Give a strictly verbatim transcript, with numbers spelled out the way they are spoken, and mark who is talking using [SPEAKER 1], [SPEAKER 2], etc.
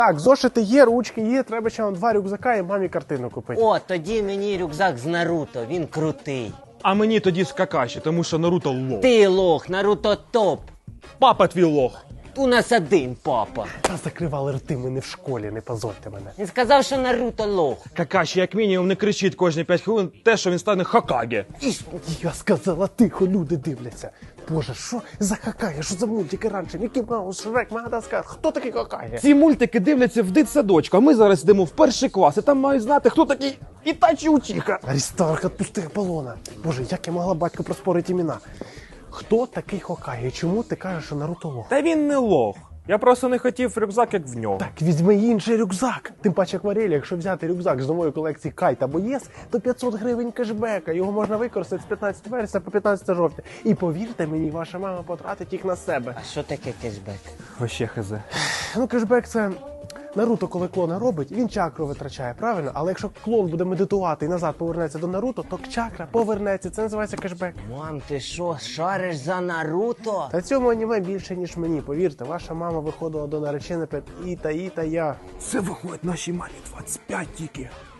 [SPEAKER 1] Так, зошити є, ручки є, треба ще вам два рюкзака і мамі картину купити.
[SPEAKER 2] О, тоді мені рюкзак з Наруто, він крутий.
[SPEAKER 3] А мені тоді з Какаші, тому що Наруто лох.
[SPEAKER 2] Ти лох, Наруто топ.
[SPEAKER 3] Папа твій лох.
[SPEAKER 2] У нас один папа.
[SPEAKER 1] Та закривали рти, ми не в школі, не позорте мене.
[SPEAKER 2] Він сказав, що Наруто лох.
[SPEAKER 3] Какаші як мінімум не кричить кожні п'ять хвилин те, що він стане Хокаге.
[SPEAKER 1] Я сказала, тихо, люди дивляться. Боже, що за Хокаге? Що за мультики раніше? Мікі Маус, Шрек, Мадагаскар. Хто такий Хокаге?
[SPEAKER 3] Ці мультики дивляться в дитсадочку, а ми зараз йдемо в перший клас, і там мають знати, хто такий Ітачі Учіха.
[SPEAKER 1] Аристарх, отпусти Аполлона. Боже, як я могла батьку проспорити імена? Хто такий Хокаге? І чому ти кажеш, що Наруто лох?
[SPEAKER 3] Та він не лох. Я просто не хотів рюкзак, як в нього.
[SPEAKER 1] Так візьми інший рюкзак. Тим паче акварелі, якщо взяти рюкзак з нової колекції Кайт або ЄС, то п'ятсот гривень кешбека. Його можна використати з п'ятнадцятого вересня по п'ятнадцяте жовтня. І повірте мені, ваша мама потратить їх на себе.
[SPEAKER 2] А що таке кешбек?
[SPEAKER 3] Вообще хз.
[SPEAKER 1] Ну, кешбек це... Наруто, коли клона робить, він чакру витрачає, правильно? Але якщо клон буде медитувати і назад повернеться до Наруто, то чакра повернеться. Це називається кешбек.
[SPEAKER 2] Мам, ти що, шариш за Наруто?
[SPEAKER 1] Та цьому аніме більше, ніж мені. Повірте, ваша мама виходила до нареченої перед і та і та я.
[SPEAKER 3] Це виходить нашій мамі двадцять п'ять тільки.